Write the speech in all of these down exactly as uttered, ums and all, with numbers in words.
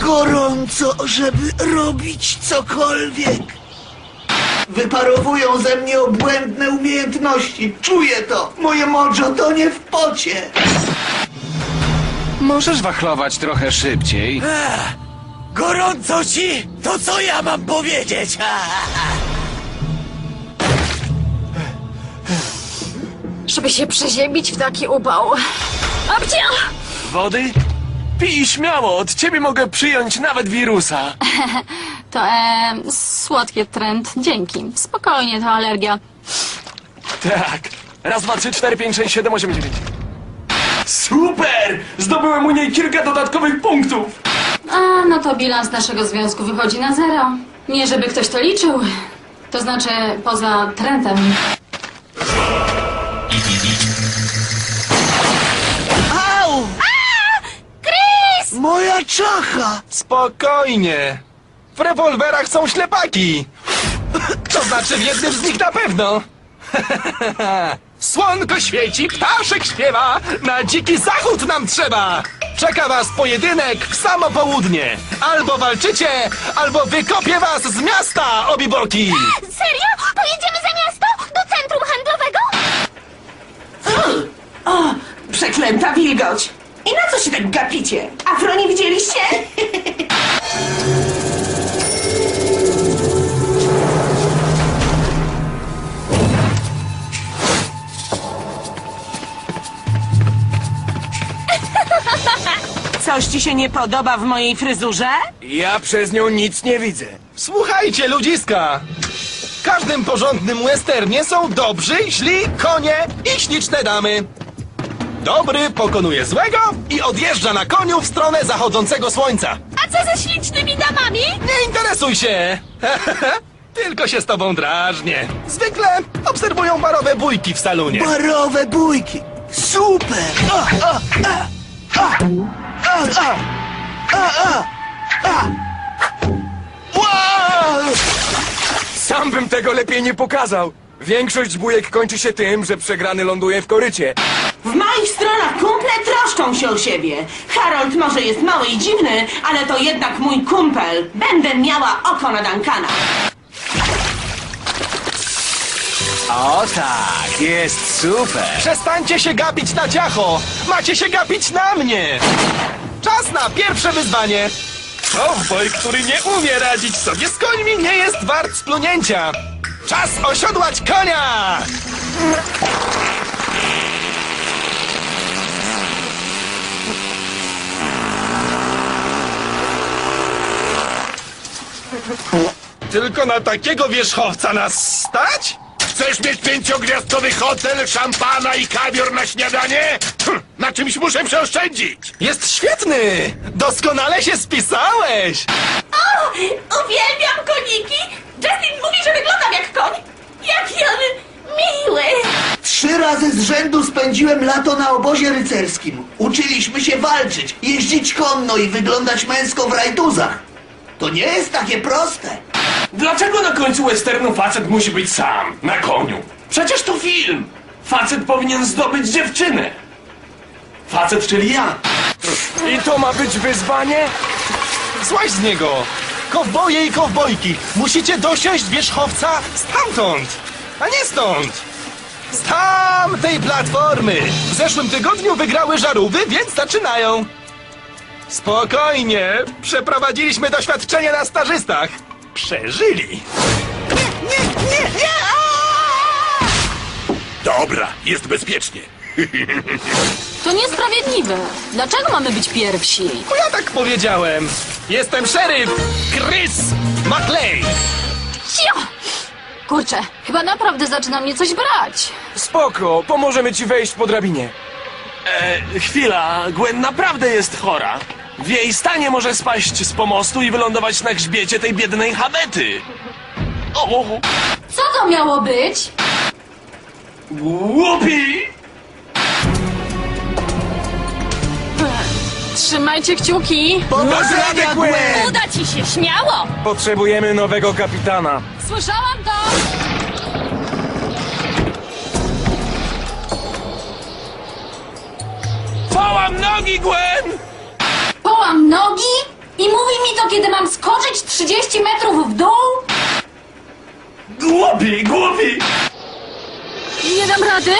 gorąco, żeby robić cokolwiek. Wyparowują ze mnie obłędne umiejętności. Czuję to. Moje mojo tonie w pocie. Możesz wachlować trochę szybciej. Ech, gorąco ci? To co ja mam powiedzieć? Żeby się przeziębić w taki upał. Abcia! Wody? Pij śmiało, od ciebie mogę przyjąć nawet wirusa. To e, słodkie trend. Dzięki. Spokojnie, to alergia. Tak. Raz, dwa, trzy, cztery, pięć, sześć, siedem, osiem, dziewięć. Super! Zdobyłem u niej kilka dodatkowych punktów. A, no to bilans naszego związku wychodzi na zero. Nie żeby ktoś to liczył. To znaczy, poza trendem. Au! Chris! Moja czacha! Spokojnie. W rewolwerach są ślepaki. To znaczy w jednym z nich na pewno. Słonko świeci, ptaszek śpiewa, na dziki zachód nam trzeba. Czeka was pojedynek w samo południe. Albo walczycie, albo wykopię was z miasta, obiboki. Serio? Pojedziemy za miasto? Do centrum handlowego? O, przeklęta wilgoć! I na co się tak gapicie? Afro nie widzieliście? Coś ci się nie podoba w mojej fryzurze? Ja przez nią nic nie widzę. Słuchajcie, ludziska. W każdym porządnym westernie są dobrzy, źli, konie i śliczne damy. Dobry pokonuje złego i odjeżdża na koniu w stronę zachodzącego słońca. A co ze ślicznymi damami? Nie interesuj się! Tylko się z tobą drażnię. Zwykle obserwują barowe bójki w salonie. Barowe bójki. Super! A, a, a, a, a, a, a, a, a. Wow! Sam bym tego lepiej nie pokazał. Większość bójek kończy się tym, że przegrany ląduje w korycie. W moich stronach kumple troszczą się o siebie. Harold może jest mały i dziwny, ale to jednak mój kumpel. Będę miała oko na Duncana. O tak, jest super. Przestańcie się gapić na ciacho! Macie się gapić na mnie! Czas na pierwsze wyzwanie! Cowboy, który nie umie radzić sobie z końmi, nie jest wart splunięcia! Czas osiodłać konia! Tylko na takiego wierzchowca nas stać? Chcesz mieć pięciogwiazdkowy hotel, szampana i kawior na śniadanie? Hm, na czymś muszę przeoszczędzić. Jest świetny! Doskonale się spisałeś! O, uwielbiam koniki! Justin mówi, że wyglądam jak koń. Jaki on miły! Trzy razy z rzędu spędziłem lato na obozie rycerskim. Uczyliśmy się walczyć, jeździć konno i wyglądać męsko w rajduzach. To nie jest takie proste. Dlaczego na końcu westernu facet musi być sam, na koniu? Przecież to film! Facet powinien zdobyć dziewczynę. Facet, czyli ja. I to ma być wyzwanie? Złaź z niego! Kowboje i kowbojki, musicie dosiąść wierzchowca stamtąd, a nie stąd! Z tamtej platformy! W zeszłym tygodniu wygrały żarówy, więc zaczynają! Spokojnie, przeprowadziliśmy doświadczenie na stażystach. Przeżyli! Nie, nie, nie, nie! Aaaa! Dobra, jest bezpiecznie. To niesprawiedliwe. Dlaczego mamy być pierwsi? Bo ja tak powiedziałem. Jestem szeryf Chris McLean. Cio! Kurczę, chyba naprawdę zaczyna mnie coś brać. Spoko, pomożemy ci wejść po drabinie. E, chwila, Gwen naprawdę jest chora. W jej stanie może spaść z pomostu i wylądować na grzbiecie tej biednej Habety. O, Co to miało być? głupi! Trzymajcie kciuki. Powodzenia, Gwen! Uda ci się, śmiało! Potrzebujemy nowego kapitana. Słyszałam to! Połam nogi, Gwen! Połam nogi? I mówi mi to, kiedy mam skoczyć trzydzieści metrów w dół? Głupi, głupi! Nie dam rady.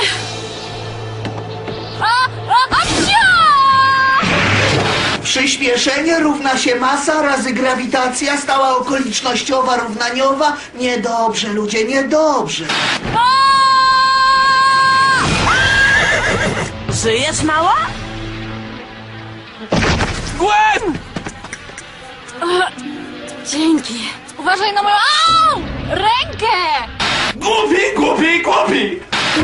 A, a, a, cia! Przyspieszenie równa się masa razy grawitacja, stała okolicznościowa równaniowa. Niedobrze, ludzie, niedobrze. Żyjesz, mała? Gwen! Dzięki. Uważaj na moją au! Rękę! Głupi, głupi, głupi!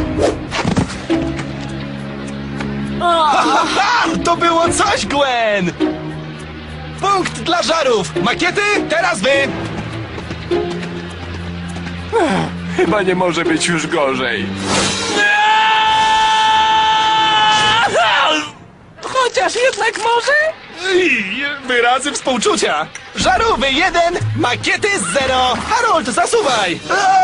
Ha, to było coś, Gwen! Punkt dla żarów! Makiety, teraz wy! Chyba nie może być już gorzej. Chociaż jednak może? I wyrazy współczucia! Żarówy jeden, makiety zero! Harold, zasuwaj!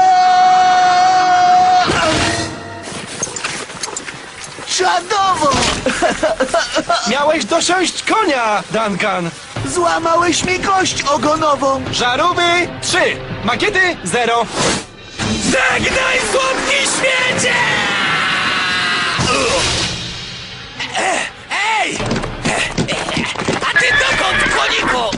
Czadowo! Miałeś dosiąść konia, Duncan! Złamałeś mi kość ogonową. Żarówy trzy, makiety zero! Żegnaj, słodki świecie! Ej! A ty dokąd, koniku?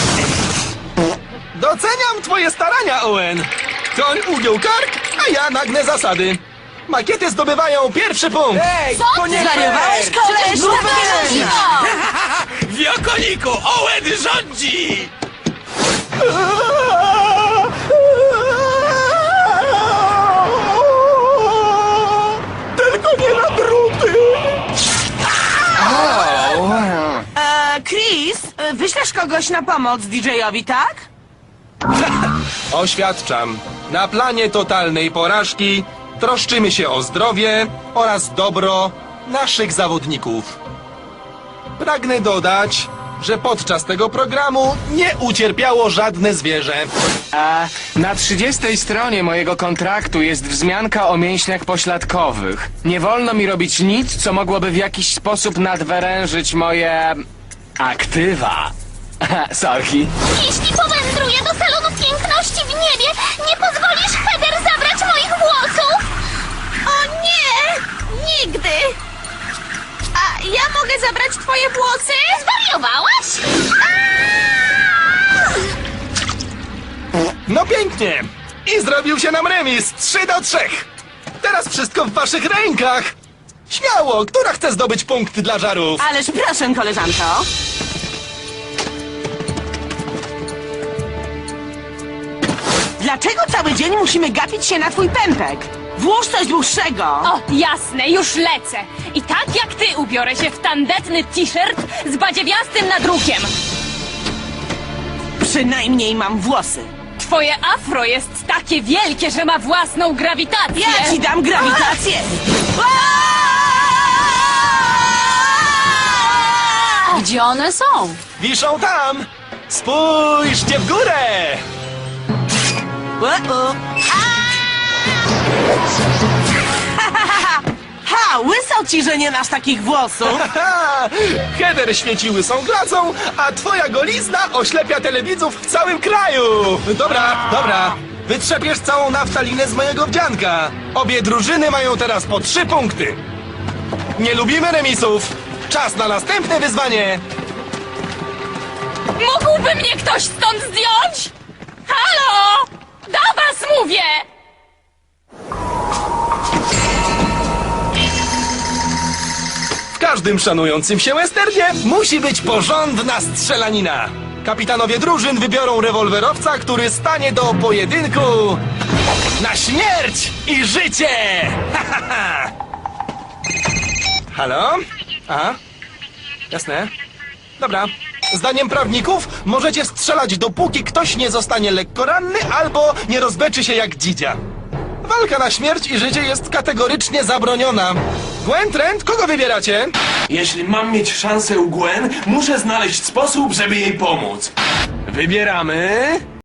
Doceniam twoje starania, Owen! Koń ugiął kark, a ja nagnę zasady. Makiety zdobywają pierwszy punkt! Ej, Co? to nie Zwariowałeś, fair! koleś? No weź! Wiokoniku, Owen rządzi! Tylko nie na druty! E, Chris, e, wyślesz kogoś na pomoc D J-owi, tak? Oświadczam, na planie totalnej porażki troszczymy się o zdrowie oraz dobro naszych zawodników. Pragnę dodać, że podczas tego programu nie ucierpiało żadne zwierzę. A na trzydziestej stronie mojego kontraktu jest wzmianka o mięśniach pośladkowych. Nie wolno mi robić nic, co mogłoby w jakiś sposób nadwyrężyć moje... aktywa. Sorki. Jeśli powędruję do salonu piękności w niebie, nie pozwolisz Heather zabrać moich włosów? O nie! Nigdy! A ja mogę zabrać twoje włosy? Zwariowałaś? Aaaa! No pięknie! I zrobił się nam remis trzy do trzech. Teraz wszystko w waszych rękach. Śmiało, która chce zdobyć punkt dla żarów? Ależ proszę, koleżanko. Dlaczego cały dzień musimy gapić się na twój pępek? Włóż coś dłuższego. O, jasne, już lecę. I tak jak ty ubiorę się w tandetny t-shirt z badziewiastym nadrukiem. Przynajmniej mam włosy. Twoje afro jest takie wielkie, że ma własną grawitację. Ja ci dam grawitację. Gdzie one są? Wiszą tam! Spójrzcie w górę! O-o. Ha, łysał ci, że nie masz takich włosów. Haha! Heather świeci łysą glacą, a twoja golizna oślepia telewidzów w całym kraju! Dobra, dobra. Wytrzepiesz całą naftalinę z mojego wdzianka. Obie drużyny mają teraz po trzy punkty. Nie lubimy remisów. Czas na następne wyzwanie. Mógłby mnie ktoś stąd zdjąć? Halo! Do was mówię! W każdym szanującym się westernie musi być porządna strzelanina. Kapitanowie drużyn wybiorą rewolwerowca, który stanie do pojedynku na śmierć i życie! Ha, ha, ha. Halo? Aha. Jasne. Dobra. Zdaniem prawników możecie strzelać, dopóki ktoś nie zostanie lekko ranny albo nie rozbeczy się jak dzidzia. Walka na śmierć i życie jest kategorycznie zabroniona. Gwen, Trent, kogo wybieracie? Jeśli mam mieć szansę u Gwen, muszę znaleźć sposób, żeby jej pomóc. Wybieramy...